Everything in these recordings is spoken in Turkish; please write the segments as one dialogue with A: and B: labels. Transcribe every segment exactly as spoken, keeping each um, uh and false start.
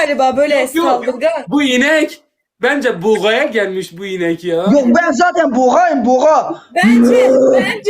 A: galiba böyle
B: Yok, yok.
A: saldırgan.
B: Bu inek. Bence buğaya gelmiş bu inek ya.
C: Yok ben zaten boğayım boğa.
A: Bence bence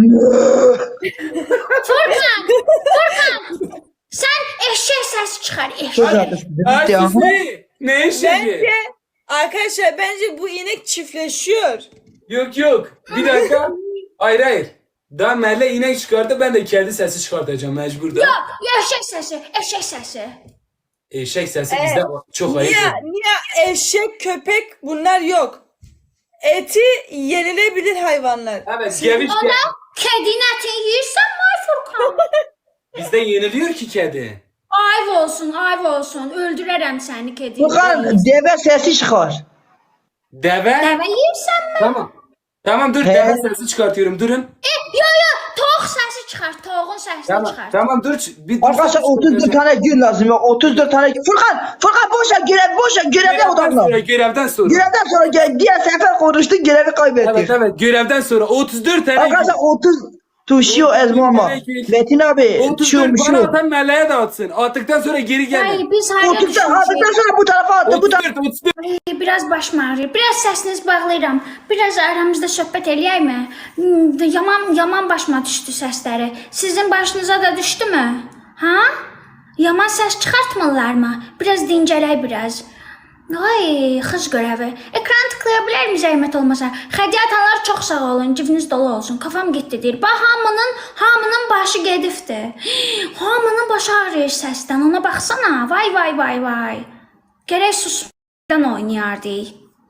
D: Furkan, Furkan. Sen eşek sesi çıkar,
C: Çok
D: eşek.
C: haklısın.
B: Ertesi. Ne eşeği?
A: bence arkadaşlar bence bu inek çiftleşiyor.
B: Yok yok. Bir dakika. Hayır hayır. Daha Merle inek çıkardı, ben de kedi sesi çıkartacağım mecbur da.
D: Yok, eşek sesi, eşek sesi.
B: Eşek sesi bizde çok ayıp.
A: Niye niye eşek köpek bunlar yok. Eti yenilebilir hayvanlar.
B: Evet, geviş
D: Ona kedinin etini yiyirsən mi ay Furkan?
B: bizde yeniliyor ki kedi.
D: Ayv olsun, ayv olsun. Öldürərəm səni kediyi.
C: Furkan deve sesi çıkar.
B: Deve.
D: Dəvə yeyirsən mi?
B: Tamam. Tamam dur,
C: He.
B: deve sesi çıkartıyorum, durun.
D: E, yo yo, toğ səsi çıxar, toğun səsini
B: Tamam,
D: çıxar.
B: tamam dur. Bir dur.
C: Arkadaşlar otuz dört tane gün lazım ya. otuz dört tane gün. Furkan, Furkan boş ver görev, boş ver görevden
B: Görevden sonra,
C: odaklan.
B: görevden sonra.
C: Görevden sonra gel, diğer sefer konuştuk görevi kaybettik.
B: Evet evet, görevden sonra otuz dört tane.
C: Arkadaşlar otuz tuşuyor Ezmama. Metin abi
B: otuz
C: şu
B: dört bana
C: şu.
B: atan Merle'ye dağıtsın. Attıktan sonra geri gelin.
D: Hayır, biz hayır
C: otuz dört aldıktan sonra bu tarafa attı bu
B: otuz
C: tarafa.
B: dört, otuz dört.
D: Biraz başım ağrıyır. Biraz səsinizi bağlayıram. Biraz aramızda söhbət eləyəkmi? Hmm, Yaman yaman başıma düşdü səsləri. Sizin başınıza da düşdümü? Ha? Yaman səs çıxartmırlarmı? Biraz dincələk biraz. Ay, xız görəvi. Ekran tıklaya bilərmi zəhmət olmasa? Xədiyyə atanlar çox sağ olun, cibiniz dolu olsun. Kafam getdi deyir. Bax, hamının, hamının başı gedibdi. Hamının başı ağrıyır səsdən. Ona baxsana. Vay vay vay vay. Gərək susmadan oynayardı.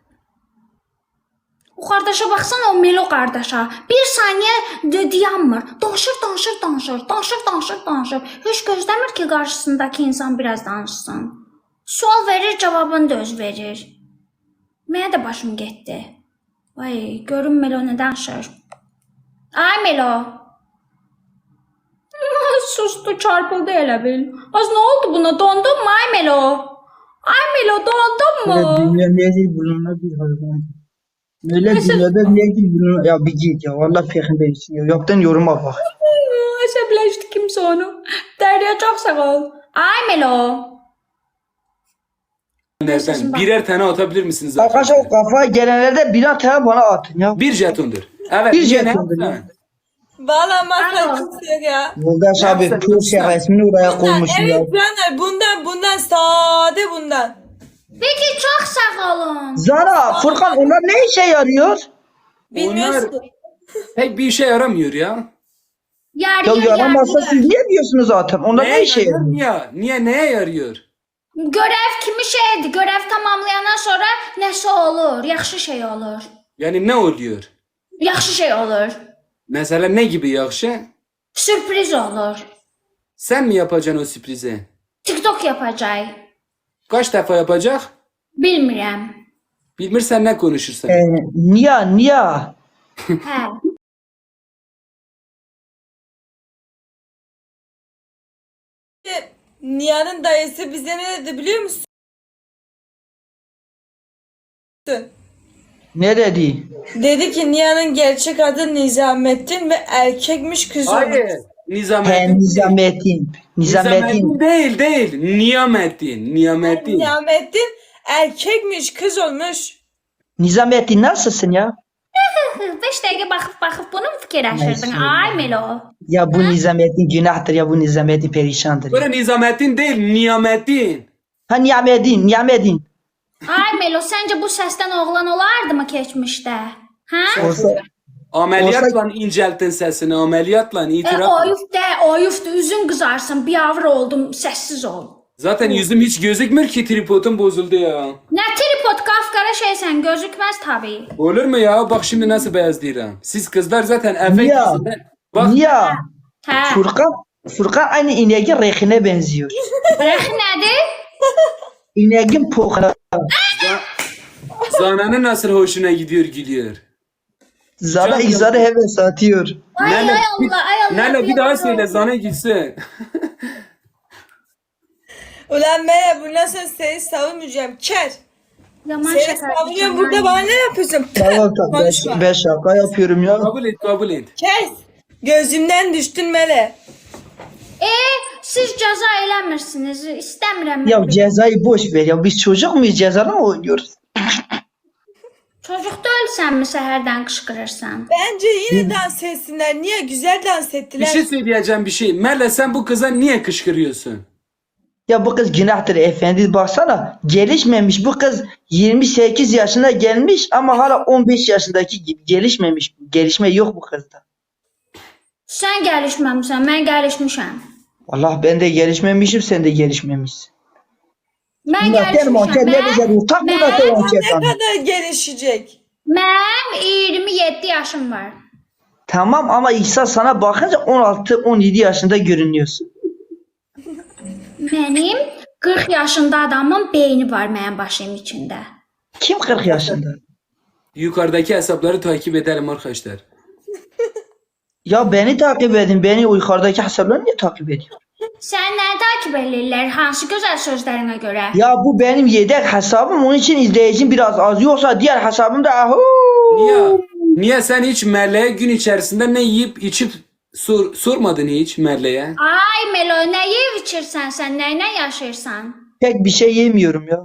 D: O qardaşa baxsana, o Melo qardaşa. Bir saniyə d- dayanmır. Danışır, danışır, danışır. Danışır, danışır, danışır. Heç gözləmir ki, qarşısındakı insan biraz danışsın. Sual verir, cavabını da öz verir. Mənə də başım getdi. Vay, görün Melo nə danışır. Ay Melo. Sustu, çarpıldı elə bil. Az nə oldu buna? Dondun mu ay Melo? Ay Melo, dondun mu?
C: Dünya nedir bununla bir hayvan. Öyle dünyada nedir bununla ya bir git ya. Vallahi fehim değilsin ya. Yaptığın yoruma bak.
D: Əsəbləşdi kimsə onu. Dərya çox sağ ol. Ay Melo.
B: Nereden? Birer tane atabilir misiniz?
C: Arkadaşlar o kafaya gelenlerde birer tane bana atın ya.
B: Bir jetondur. Evet.
C: Bir
B: niye, ne
C: jetondur ya.
B: yaptın?
A: Valla masal
D: Alo.
A: kimse yok ya.
C: Yoldaş abi
B: Yapsana,
C: Turşya
B: yapsana.
C: resmini oraya
A: Bundan,
C: koymuşum ya.
A: evet canlar bundan bundan sade bundan.
D: Peki çox sağ olun.
C: Zara, Furkan onlar ne işe yarıyor?
A: Bilmiyorsun.
B: Pek bir işe yaramıyor ya.
D: Yarıyor,
C: Ya yaramazsa
D: yarıyor.
C: siz niye diyorsunuz zaten? Onlar ne işe
B: yarıyor?
C: yarıyor?
B: Niye? Niye neye yarıyor?
D: Görev kimi şeydir? Görev tamamlayandan sonra nəsə olur? Yaxşı şey olur.
B: Yani ne oluyor?
D: Yaxşı şey olur.
B: Mesela ne gibi yakşı?
D: Sürpriz olur.
B: Sen mi yapacaksın o sürprizi?
D: TikTok yapacaq.
B: Kaç defa yapacak?
D: Bilmirəm.
B: Bilmirsen ne konuşursan.
C: Ee, niye, niye?
D: Hə.
A: Nihan'ın dayısı bize ne dedi biliyor musun?
C: Ne dedi?
A: Dedi ki Nihan'ın gerçek adı Nizamettin ve erkekmiş kız olmuş.
B: Hayır.
C: He,
B: Nizamettin.
C: Nizamettin. Nizamettin.
B: Nizamettin değil değil. Niyamettin. Niyamettin.
A: Nizamettin erkekmiş kız olmuş.
C: Nizamettin nasılsın ya?
D: beş dəqiqə baxıb baxıb bunu mu fikirləşirdin? Ay Melo.
C: Ya bu Nizamettin günahtır ya bu Nizamettin perişandır.
B: Böyle Nizamettin değil. Niyamettin.
C: Ha Niyamettin, Niyamettin.
D: Ay Melo, səncə bu səsdən oğlan olardı mı keçmişdə? Hə?
C: Olsa,
B: Ameliyatla incelttin sesini. Ameliyatla
D: E,
B: itiraf.
D: oyuf də, oyuf da, üzün qızarsın, biavr oldum, səssiz ol.
B: Zaten yüzüm hiç gözükmür ki, tripodum bozuldu ya.
D: Nə tripod, qafqara şeysən, gözükməz tabii.
B: Olur mu ya? Bak şimdi nasıl beyazlayacağım. Siz kızlar zaten efekt
C: Niye?
B: yüzünden. Bak
C: niye?
D: Hə.
C: Furkan, Furkan aynı ineğin rehine benziyor.
D: Rəx nədir?
C: İneğin pohuna.
B: Zana'nın nasıl hoşuna gidiyor gülüyor.
C: Zara
B: Canım.
C: izarı heves atıyor.
D: Ay
B: Nene,
D: ay
B: bir-
D: Allah, ay Allah.
B: Nene bir daha
D: yalan
B: söyle,
D: olsun.
B: Zana gitsin.
A: Ulan Meral bundan sonra seni savunmayacağım. Ker.
D: Yaman
A: Seni
D: şaka.
A: savunuyorum burada bana ne yapıyorsun?
C: Tamam tamam ben,
A: Konuşma.
C: ben şaka yapıyorum ya.
B: Kabul et, kabul et.
A: Kes. Gözümden düştün Mele.
D: E, siz cəza eləmirsiniz. İstəmirəm.
C: Ya
D: mən.
C: cezayı boş ver ya. Biz çocuk muyuz? Cezada mı oynuyoruz?
D: Çocuk deyilsənmi səhərdən qışqırırsan?
A: Bence yine dans etsinler. Niye? Güzel dans
B: Bir
A: ettiler.
B: şey söyleyeceğim bir şey. Merle sen bu kıza niye kışkırıyorsun?
C: Ya bu kız günahtır efendi, baksana. Gelişmemiş bu kız, yirmi sekiz yaşına gelmiş ama hala on beş yaşındaki gibi gelişmemiş. Gelişme yok bu kızda.
D: Sən gəlişməmisən, mən gəlişmişəm.
C: Allah, ben de gelişmemişim, sen de gelişmemişsin.
D: Mən
C: Günahkar manker ne
D: gəlişmişəm.
C: güzel utak
D: Mən,
C: günahkar
A: Ne
C: manker sana.
A: kadar gelişecek?
D: mən iyirmi yeddi yaşım var.
C: Tamam ama İhsan sana bakınca on altı on yedi yaşında görünüyorsun.
D: Mənim qırx yaşında adamın beyni var mənim başım içində.
C: Kim kırk yaşında?
B: Yukarıdaki hesapları takip edelim arkadaşlar.
C: Ya beni takip edin. Beni o yukarıdaki hesapları niye takip ediyor?
D: Sən nə takib edirlər? Hansı gözəl sözlərinə görə?
C: Ya bu benim yedek hesabım. Onun için izleyicim biraz az. Yoksa diğer hesabım da ahu.
B: Niye? Niye sen hiç Merle'ye gün içerisinde ne yiyip içip sor, sormadın hiç Merle'ye?
D: Ay Melo, nə yeyib içirsən sən? Nə ilə yaşayırsan?
C: Pek bir şey yemiyorum ya.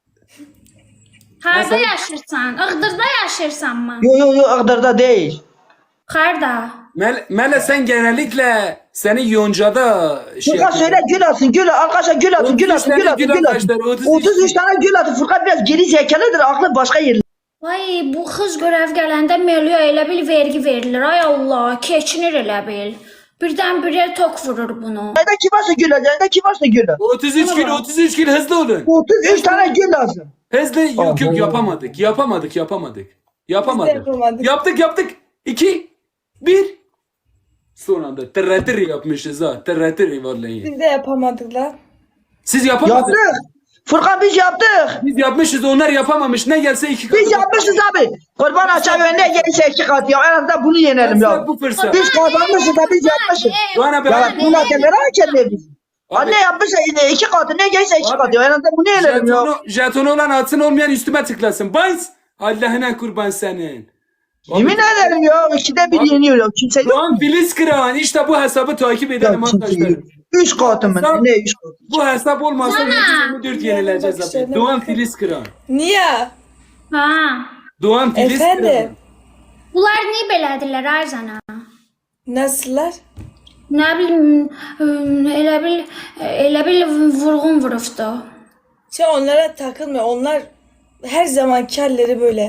D: Harda
B: Məsələn-
D: yaşayırsan? Iğdırda yaşayırsanmı?
C: Yo yo yo Iğdır'da değil.
D: Harda?
B: Merle, Merle sen genellikle seni Yonca'da şey
C: Furkan söyle gül atın gül atın. Arkadaşlar gül atın gül atın gül atın gül atın. otuz üç tane gül atın. Furkan biraz geri zekalıdır. Aklı başka yerler.
D: Vay, bu qız görəv gələndə Meloya elə bil vergi verilir. Ay Allah, keçinir elə bil. Birdən-birə tok vurur bunu.
C: Nerede kim varsa gül atın. Nerede kim varsa gül atın.
B: otuz üç gün otuz üç gün hızlı olun.
C: otuz üç tane gül lazım.
B: Hızlı yok yok
C: Aha.
B: yapamadık. Yapamadık yapamadık. Yapamadık.
A: yapamadık.
B: Yaptık yaptık. iki bir son anda tırratır yapmışız ha. Tırratır vallahi.
A: Biz de yapamadık lan.
B: Siz yapamadınız.
C: Yaptık. Furkan biz yaptık.
B: Biz yapmışız onlar yapamamış. Ne gelse iki katı.
C: Biz yapmışız abi. Kurban açar önüne gelirse iki kat ya. En azından bunu yenelim ya.
B: Fırsat bu fırsat.
C: Biz kazanmışız da biz yapmışız.
B: Doğan abi.
C: Ya bu nakellere hakem biz.
B: Abi,
C: Anne yapmışsa yine iki katı ne gelirse iki
B: Abi,
C: kat ya. En azından bunu yenelim ya.
B: jetonu, jetonu olan atsın olmayan üstüme tıklasın. Bayız. Allah'ına kurban senin.
C: Yemin ederim ya. İkide bir
B: Abi,
C: yeniyor ya. Kimse yok.
B: Doğan Filiz Kıran. İşte bu hesabı takip
C: Ya
B: edelim
C: kimse
B: arkadaşlar.
C: yok. Üç katı mı?
B: Hesap-
C: Ne üç katı?
B: Bu hesap olmasa
D: Nana.
B: yedi yüz yirmi dört yenileceğiz
A: Bak
B: abi.
A: şöyle
B: Doğan
A: bak.
B: Filiz Kıran.
A: Niye?
D: Ha.
B: Doğan Filiz Kıran.
A: Efendim?
D: Bunlar niyə belədirlər ay zana?
A: Nasıllar?
D: Nə bilim, ım, elə bil elə bil vurğun vurubdu.
A: Sen onlara takılma. Onlar her zaman kelleri böyle.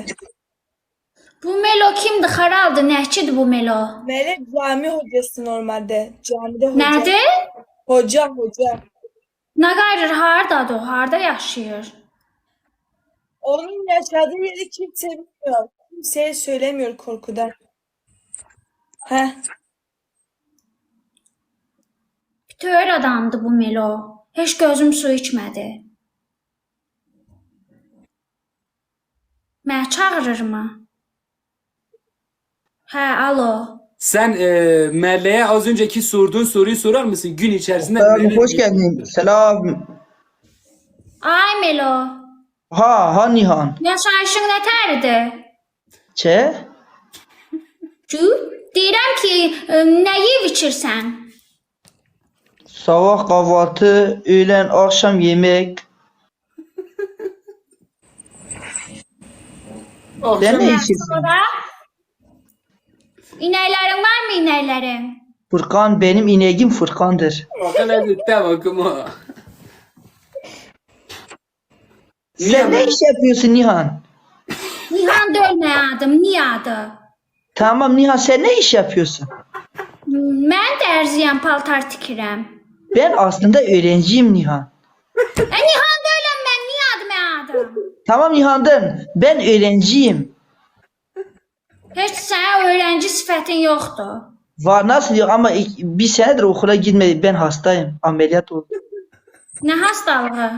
D: Bu Melo kimdir? Xaraldır, nəçidir bu Melo?
A: Melek cami hocası normalde. Camide hoca.
D: Nədir?
A: Hoca hoca.
D: Nə qayırır? Hardadır o? Harda yaşayır?
A: Onun yaşadığı yeri kimse bilmiyor. Kimseye söylemiyor korkudan. Heh.
D: Töyər adamdır bu Melo. Heç gözüm su içmədi. Mənə çağırır mı? Hə, alo.
B: Sen e, Merle'ye az önceki sorduğun soruyu sorar mısın? Gün içerisinde
C: Selam,
B: neler-
C: hoş geldin. Selam.
D: Ay Melo.
C: Ha ha Nihan.
D: Yaşayışın nətəridir?
C: Çe?
D: Cü? Deyirəm ki, ə, nə yeyib içirsən?
C: Sabah kahvaltı, öğlen akşam yemek.
B: Akşam-
C: Sen ne içiyorsun?
D: Sonra? İnəklərin varmı inəklərin?
C: Furkan benim ineğim Furkan'dır.
B: Bakın hadi bakın ha.
C: Sen ne iş yapıyorsun Nihan?
D: Nihan dölmə adım, niyə adı?
C: Tamam Nihan, sen ne iş yapıyorsun?
D: Mən dərziyəm, paltar tikirəm.
C: Ben aslında öğrenciyim Nihan.
D: E, Nihan döləm mən, niyə adı mən adım?
C: Tamam Nihan'dan ben öğrenciyim.
D: Heç sənə öğrenci sifətin yoxdur.
C: Var nasıl yok ama ik- bir senedir okula gitmedi. Ben hastayım. Ameliyat oldum.
D: Nə hastalığı?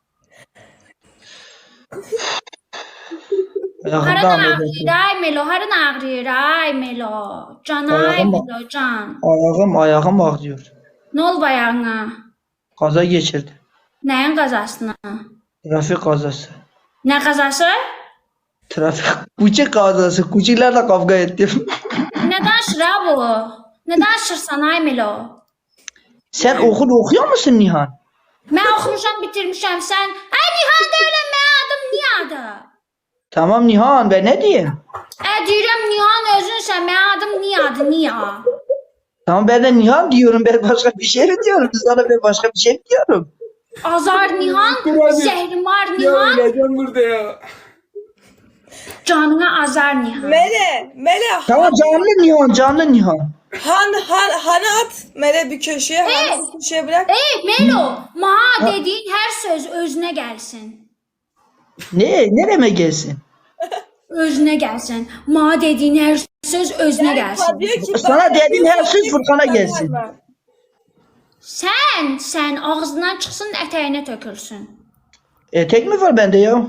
C: Ayağımda
D: Harın
C: ameliyat
D: ağrıyır,
C: oldum.
D: ay Melo, harın ağrıyır, ay Melo. Can, ay
C: Ayağım-
D: Melo, can.
C: Ayağım ayağım ağrıyor.
D: Nə olub ayağına?
C: Kaza geçirdi.
D: Nəyin qazasına?
C: Trafik kazası.
D: Nə qazası?
C: Trafik. Kucuk kazası. Kucuklarla kavga ettim.
D: Nə danışır ha bu? Nə danışırsan ay Melo?
C: Sen okul okuyor musun Nihan?
D: Mən oxumuşam, bitirmişəm. Sən, ay Nihan deyiləm, mənim adım Niyadır.
C: Tamam Nihan, ben ne diyeyim?
D: Ə deyirəm Nihan özünsən, mənim adım Niyadır, Niya.
C: Tamam ben de Nihan diyorum. Ben başka bir şey mi diyorum? Sana ben başka bir şey mi diyorum?
D: Azar Nihan, Zəhrimar
B: Ya
D: Nihan,
B: öleceğim burada ya.
D: canına Azar Nihan.
A: Mele, Mele
C: Tamam canlı Nihan, canlı Nihan.
A: Han, han, hanı at Mele bir köşeye, hanı bir köşeye bırak.
D: Ey Melo, maha dediyin hər söz özünə gəlsin.
C: Ne? Nereme gelsin?
D: Özünə gəlsin. Maha dediyin hər söz özünə gəlsin.
A: Diyor ki,
C: Sana
A: bana
C: dediğim
A: bir
C: her söz
A: köşeye
C: Furkan'a
A: bırak,
C: gelsin.
A: verme.
D: Sən, sən ağzından çıxsın, ətəyinə tökülsün.
C: Etek mi var bende ya?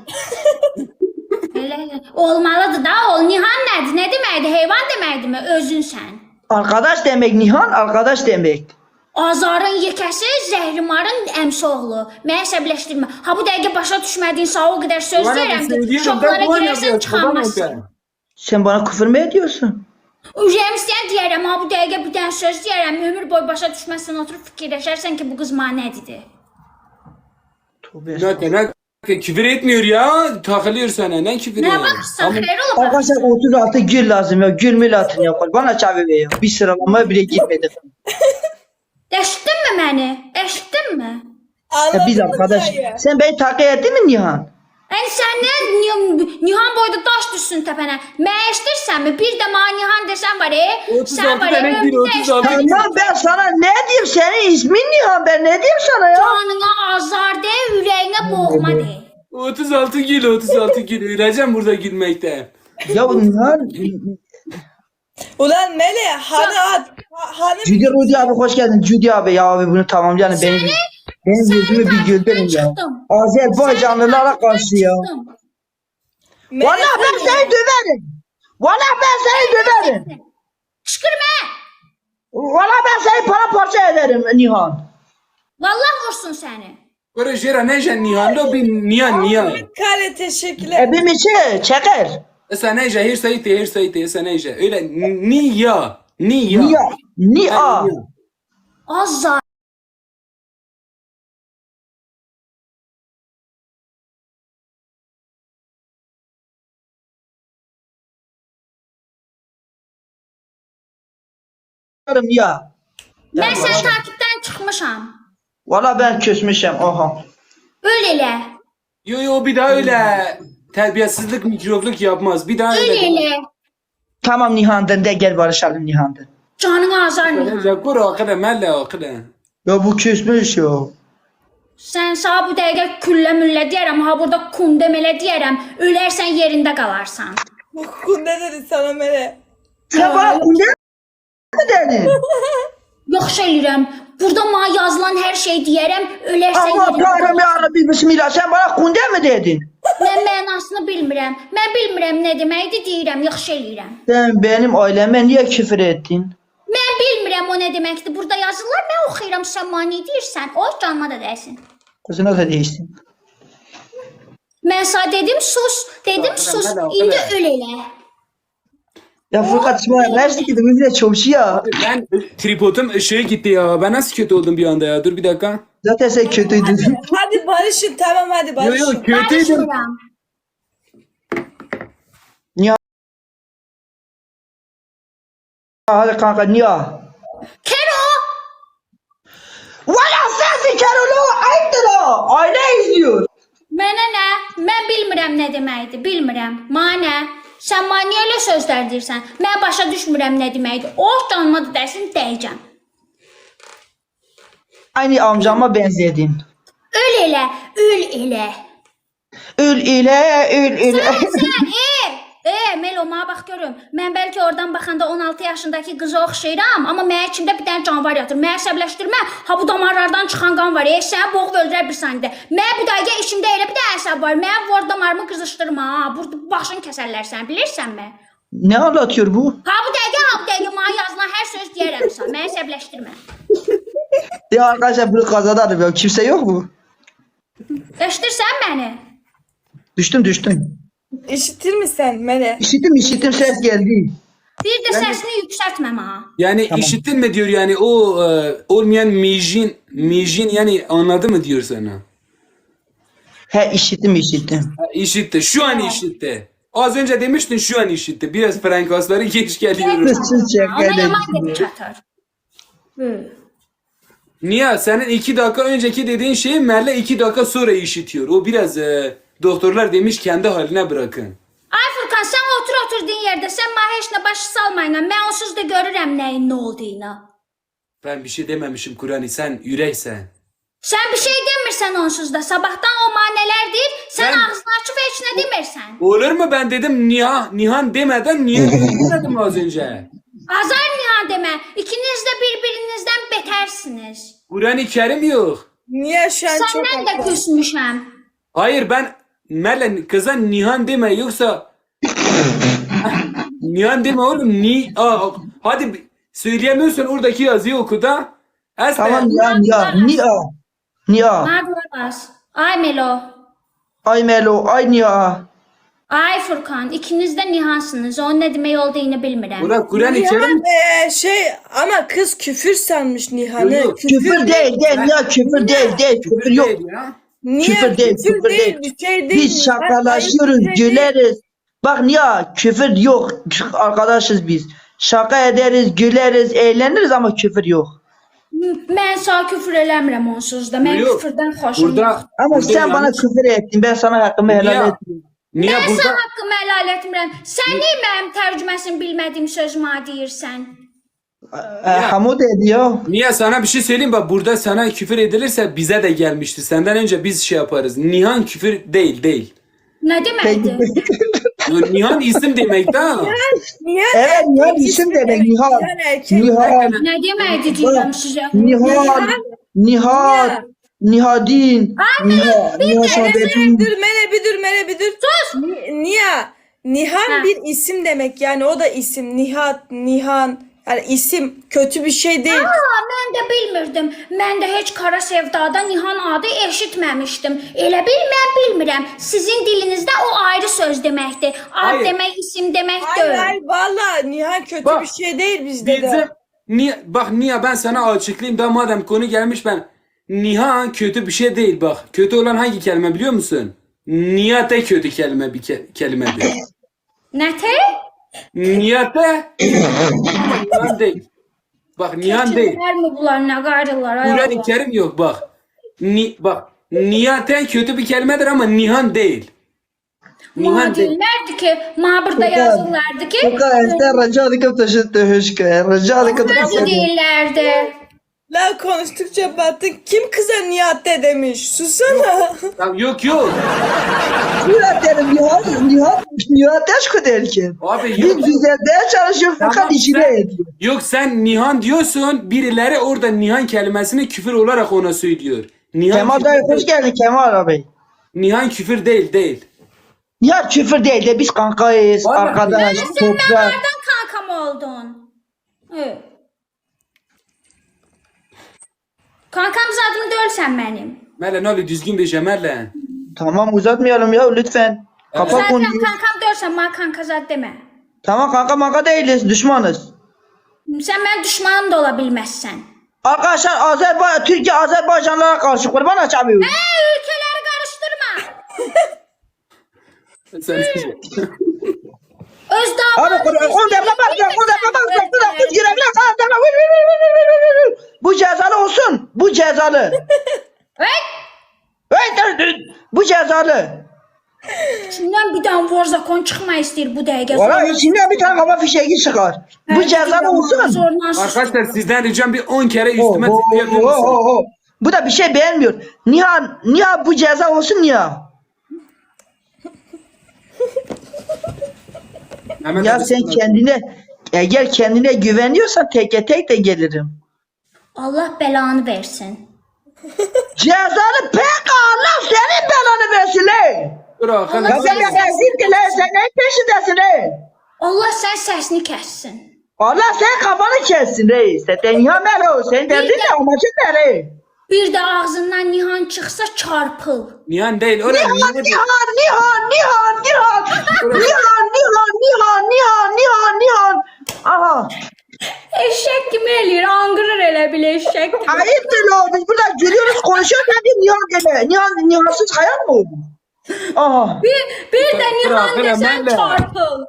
D: Elə olmalıdır da, ol. Nihan nədir? Nə deməkdir? Heyvan deməkdirmi? Özünsən.
C: Arkadaş demek Nihan, arkadaş demek.
D: Azarın yekəsi, Zəhrimarın əmsi oğlu. Məni əsəbləşdirmə. Ha bu dəqiqə başa düşmədiyin sağ o qədər söz
B: Bana
D: deyirəm ki,
B: söylüyorum,
D: şoklara
B: ben bu
D: girərsən
B: oynayacağım,
D: çıxamazsın.
B: babam
C: Sen bana küfür mü ediyorsun?
D: Ürəyim istəyən deyərəm, ha bu dəqiqə bir dənə söz deyərəm, ömür boyu başa düşməzsən, oturub fikirləşərsən ki, bu qız mənə nə dedi.
C: Tövbe
B: Ne ne ne küfür etmiyor ya. Takılıyor sana. Ne küfür
D: Nə
B: ya?
D: baxırsan, xeyir ola
C: Arkadaşlar
D: baxırsan.
C: otuz altı gül lazım ya. Gül mü atın ya. Bana çabuk ver ya. Bir sıralamaya bile girmedik.
D: Eşitdinmi məni? Eşitdinmi?
C: Ya biz
A: Anladın mı
C: arkadaş.
A: dayı?
C: Sen beni takip ettin mi Nihan?
D: Yəni sən nə Nihan, Nihan boyda daş düşsün təpənə. Mən eşidirsənmi? Bir də mənə Nihan desən var, e?
B: otuz
D: Sən
B: altı
D: var,
B: tane
D: e?
B: gül, otuz altı gül.
C: Tamam ben sana ne diyeyim? Senin ismin Nihan. Ben ne diyeyim sana ya?
D: Canına azar de, ürəyinə boğma de.
B: otuz altı gül, otuz altı gül. Öleceğim burada gülmekten.
C: Ya Nihan.
A: Ulan Mele, hanı at. Ha- Hanı
C: Cüdi Rudi abi hoş geldin. Cüdi abi ya abi bunu tamamlayalım. Benim, benim yüzümü bir güldürün ya.
D: Çıxdım.
C: Azerbaycanlılara karşı ya.
D: Çıxdım.
A: Mele,
C: Vallahi ben seni döverim. Vallahi ben seni döverim.
D: Qışqırma.
C: Vallahi ben seni paramparça ederim Nihan.
D: Vallah vursun səni.
B: Böyle jera ne jen Nihan lo bir Nihan Nihan.
A: Kale teşekkürler.
C: E bir miçe çeker.
B: Sen ne jen her sayıte her sayıte sen ne jen öyle Niya Niya.
C: Niye? Niye?
D: Azar.
C: Ya.
D: Mən sən takipdən çıxmışam.
C: Valla ben küsmüşüm. Oha.
D: Öl elə.
B: Yo yo bir daha öyle terbiyesizlik mikrobluk yapmaz. Bir daha
D: Öl
B: öyle.
D: elə.
C: Tamam Nihan'dan de gel barışalım Nihan'dan.
D: Canına azar Nihan.
B: Zakur akıda melle akıda.
C: Ya bu küsmüş ya.
D: Sən sağ bu dəqiqə küllə müllə deyərəm, ha burada kum demələ deyərəm. Ölərsən yerində qalarsan.
A: Ne dedi sana Mele?
C: Sen bana kunde mi dedin?
D: Yaxşı eləyirəm. Burada mənə yazılan hər şey deyərəm, ölərsən
C: Allah
D: yerində
C: kahretsin
D: qalarsan.
C: ya Rabbi bismillah. Sen bana kunde mi dedin?
D: Mən mənasını bilmirəm. Mən bilmirəm nə deməkdir, deyirəm, yaxşı eləyirəm.
C: Sen benim aileme niye küfür ettin?
D: Mən bilmirəm o nə deməkdir. Burada yazırlar, mən oxuyuram, sən mənə nə deyirsən? O canıma da dəysin.
C: Kızına da değiştin.
D: Mən sənə dedim sus, dedim sus. İndi öl elə.
C: Ya Furkan İsmail neresi ki bizimle çavuşu ya.
B: Ben tripodum ışığı gitti ya. Ben nasıl kötü oldum bir anda ya. Dur bir dakika.
C: Zaten sen kötüydün.
A: Hadi barışın, tamam hadi
B: Yo
A: barışın.
B: yo kötüydüm.
D: Barışmıram.
C: Niye? Hadi kanka niye?
D: Kero!
C: Valla sensin Kerol'u ayıptır o. Aile izliyor.
D: Mənə nə? Mən bilmirəm nə deməkdir, bilmirəm. Mənə nə? Sən mənə niyə elə sözlər deyirsən? Mən başa düşmürəm nə deməkdir. O canıma da dəysin, dəyəcəm.
C: Aynı amcama benzedin.
D: Öl elə, öl elə.
C: Ül ile ül ile.
D: Sən, e, e, Melo, mənə bax görüm. Mən bəlkə oradan baxanda on altı yaşındakı qıza oxşayıram, amma mənim içimdə bir dənə canavar yatır. Məni əsəbləşdirmə. Ha bu damarlardan çıxan qan var. E, səni boğub öldürər bir saniyə. Mən bu dəqiqə içimdə elə bir dənə əsəb var. Mənim var damarımı qızışdırma. Ha, burada başını kəsərlər sən, bilirsənmi?
C: Ne anlatıyor bu?
D: Ha bu dəqiqə, ha bu dəqiqə mənə yazılan hər söz deyərəm sən. Məni əsəbləşdirmə.
C: Ya arkadaşlar bunu kazanarım ya. Kimse yok mu?
D: Eşidirsən məni?
C: Düştüm düştüm.
A: İşitir misin Mele?
C: İşittim işittim ses geldi.
D: Bir də səsini yüksəltmə ha.
B: Yani işittin mi diyor yani o e, olmayan mijin, mijin yani anladı mı diyor sana?
C: He işittim işittim.
B: Ha, işitti. Şu an işitti. Az önce demiştin şu an işitti. Biraz frankasları geç geliyorum.
C: Siz
D: Ona
C: şaka
D: yaman
C: edin.
D: dedi çatar. Hı.
B: Niye? Senin iki dakika önceki dediğin şeyi Merle iki dakika sonra işitiyor. O biraz e, doktorlar demiş kendi haline bırakın.
D: Ay Furkan, sən otur oturduğun yerdə, sən mənə heç nə başı salmayla, mən onsuz da görürəm nəyin nə olduğunu.
B: Ben bir şey dememişim Kur'an'ı, sen yüreksen.
D: Sən bir şey demirsən onsuz da, sabahdan o manelər deyir, sən
B: Ben-
D: ağzını açıb heç nə demirsən.
B: Olur mu ben dedim Nihan, Nihan demeden niye demedim az önce?
D: Azar Nihan demə, ikiniz də bir-birinizdən betərsiniz.
B: Kur'an-ı Kerim yok.
A: Niye şu an çok
D: Səndən də
A: haklı.
D: küsmüşəm.
B: Hayır ben Merle kıza Nihan deme yoksa Nihan deme oğlum ni Aa, hadi bir- söyleyemiyorsan oradaki yazıyı oku da. Asla.
C: Tamam ya ya niye? Niye?
D: Mağduras. Ay Melo.
C: Ay Melo ay niye?
D: Ay Furkan, ikiniz də Nihansınız. Onun nə demək olduğunu bilmirəm.
B: Bura Kur'an-ı Kerim
A: Nihan e, şey ama kız küfür sanmış Nihan'ı.
B: Yok, yok.
C: Küfür değil değil ya küfür değil değil küfür yok.
B: değil ya.
A: Niye?
C: Küfür değil, küfür değil.
A: Bir şey değil.
C: Biz şakalaşıyoruz,
A: Hayır, bir şey değil.
C: güleriz. Bak niye küfür yok arkadaşız biz. Şaka ederiz, güleriz, eğleniriz ama küfür yok.
D: Mən sağ küfür eləmirəm onsuz da. Mən
B: Yok.
D: küfürdən xoşum yox.
B: Burada
C: Ama
B: burada
C: sen bana
B: yanlış-
C: küfür ettin, ben sana hakkımı
B: Niye?
C: helal etmiyorum.
B: Niye
D: Mən
B: burada
D: sən haqqımı helal etmirəm. Sən niyə mənim tərcüməsini bilmədiyim sözümə deyirsən?
C: E, Hamud ediyor.
B: Niye sana bir şey söyleyeyim bak burada sana küfür edilirse bize de gelmiştir. Senden önce biz şey yaparız. Nihan küfür değil değil.
D: Nə deməkdir?
B: Nihan isim demek da.
A: Niye?
C: Evet, Nihan isim demek, Nihan.
A: Nihan erkek.
C: Nihan,
D: Nə deməkdir deyirəm sizə?
C: Nihan, Nihan, Nihadin, Nihan, Nihan Saadettin.
A: Dur Mele bir dur Mele bir dur.
D: Sus!
A: Ni- Niye? Nihan
D: Ha.
A: bir isim demek yani o da isim. Nihat, Nihan. Yani isim kötü bir şey değil.
D: Aa, mən də bilmirdim. Mən də heç Kara Sevdada Nihan adı eşitməmişdim. Elə bil mən bilmirəm. Sizin dilinizdə o ayrı söz deməkdir. Ad
B: Hayır.
D: demək, isim demək
A: Hayır
D: deyil.
A: hayır valla Nihan kötü
B: Bak,
A: bir şey değil bizde de.
B: Bizim niye bak niye ben sana açıklayayım da madem konu gelmiş ben Nihan kötü bir şey değil bak. Kötü olan hangi kelime biliyor musun? Niyate kötü kelime bir ke- kelimedir.
D: Nətə?
B: Niyate Nihan değil. Bak Nihan değil.
D: Kimlər mi bunlar, nə qayrılar? ay
B: Kur'an-ı
D: Allah.
B: Kerim yok bak. Ni, bak niyaten kötü bir kelimedir ama Nihan değil.
D: Mənə
B: Nihan değil.
D: deyirlərdi ki, mənə burada
C: Furkan,
D: yazırlardı ki,
C: Furkan, sen rica ederim taşıttı hışkı. Rica ederim
D: mənə
C: taşıttı.
D: deyirlərdi.
A: La konuştukça battın. Kim kıza Nihat'te demiş? Susana.
B: Ya yok yok.
C: Nihat derim, Nihat, Nihat, Nihat aşkı derken.
B: Abi
C: Biz
B: yok.
C: düzeltmeye çalışıyor, Furkan
B: Tamam,
C: içine
B: sen-
C: ediyor.
B: Yok sen Nihan diyorsun birileri orada Nihan kelimesini küfür olarak ona söylüyor. Nihan,
C: Kemal
B: küfür
C: dayı hoş
B: değil.
C: geldin Kemal abi.
B: Nihan küfür değil değil.
C: Nihat küfür değil de biz kankayız,
B: Vallahi.
C: arkadaş,
D: Sən
C: toprak.
D: mənlərdən kankam oldun. Evet. Kankam zadını dölsən mənim.
B: Mele ne oluyor düzgün bir şey Mele.
C: Tamam uzatmayalım ya lütfen. Kapat
D: Zaten
C: konuyu.
D: kankam dölsən, mənə kanka zad demə.
C: Tamam kanka manka değiliz, düşmanız.
D: Sən mənim düşmanım da ola bilməzsən.
C: Arkadaşlar Azerbaycan, Türkiye Azerbaycanlara karşı kurban açamıyor.
D: Hə, ülkələri qarışdırma.
B: Sen
D: Öz
C: Abi
D: damadını...
C: kurban, on defa bak, on defa bak, bak, bak, bu girekler, kan defa, vur, vur, vur, vur, vur, vur, vur. Bu cezalı olsun, bu cezalı.
D: Evet.
C: Evet, evet, bu cezalı.
D: İçindən bir dənə Warzakon çıxma istəyir bu dəqiqə.
C: Valla içinden bir tane hava fişeği çıkar. Bu cezalı olsun.
D: Zorla sus.
B: Arkadaşlar sizden ricam bir on kere
C: Oh,
B: üstüme
C: oh,
B: tıklayabilir
C: oh, oh,
B: misiniz?
C: oh. Bu da bir şey beğenmiyor. Nihan, Nihan bu ceza olsun Nihan.
B: Hemen
C: Ya
B: de-
C: sen kendine, eğer kendine güveniyorsan teke tek de gelirim.
D: Allah belanı versin.
C: Cezalı pek Allah senin belanı versin le.
B: Dur Hakan.
D: Allah
C: Ya sen de rezil ki le, sen neyin peşindesin le.
D: Allah sən səsini kəssin.
C: Allah sen kafanı kessin reis. Sen Nihan Melo, sen derdin ne amacın ne re?
D: Bir də ağzından Nihan çıxsa çarpıl.
B: Nihan değil. Öyle
C: Nihan,
B: Nihan.
C: Nihan, Nihan, Nihan, Nihan, Nihan, Nihan, Nihan, Nihan, Nihan, Nihan, Nihan. Aha.
D: Eşek kimi eləyir? Anqırır elə bil eşek kimi.
C: Ayıptır la. Biz burada gülüyoruz konuşuyoruz. Hadi Nihan deme. Nihan, Nihansız hayal mı oldu? Aha.
D: Bir, bir də Nihan
B: Bırak,
D: desən
B: elə
D: çarpıl.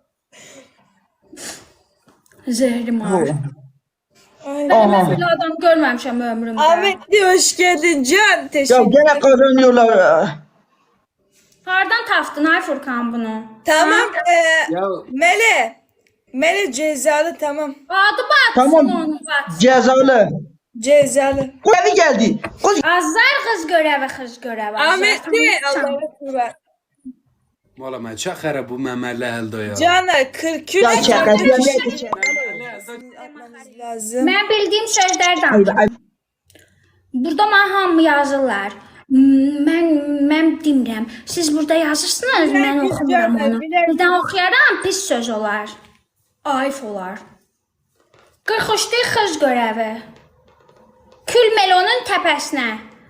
D: Zehrim var.
A: Ay.
D: Ben böyle adam görmemişim ömrümde.
A: Ahmetli hoş geldin Can.
C: Ya
A: Teşekkür
C: gene kazanıyorlar.
D: Hardan tapdın ay Furkan bunu?
A: Tamam. E,
B: Ya
A: Mele. Mele cezalı tamam.
D: Adı batsın
C: Tamam.
D: onun batsın.
C: Cezalı.
A: Cezalı.
C: Kulağı geldi. Kız
D: Azlar kız görevi kız görevi.
A: Ahmetli Allah'a kurban.
B: valla ben çok xarab bu məməllə əldə ya.
A: Cana kırk üç.
C: ya şaka. Ya ne?
A: Atmamız lazım.
D: Ben bildiğim sözler
C: Ay,
D: danışım.
C: ay.
D: Burada mən hamı yazırlar. M- Mən mən demirəm. Siz burada yazırsınız, mən
A: biz
D: oxumuram
A: görmə,
D: onu.
A: bilək.
D: Birdən oxuyaram, pis söz olar. Ayıf olar. qırx üçlük qız görəvi. Kül melonun təpəsinə.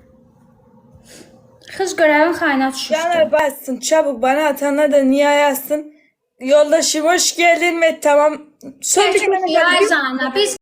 D: Kız görevin kaynağı düşmüştü.
A: Caner bassın çabuk bana atanlar da niye yazsın. Yoldaşım hoş geldin ve tamam. Son bir
D: Geçmiş
A: tane
D: yay
A: daha-
D: zana. Biz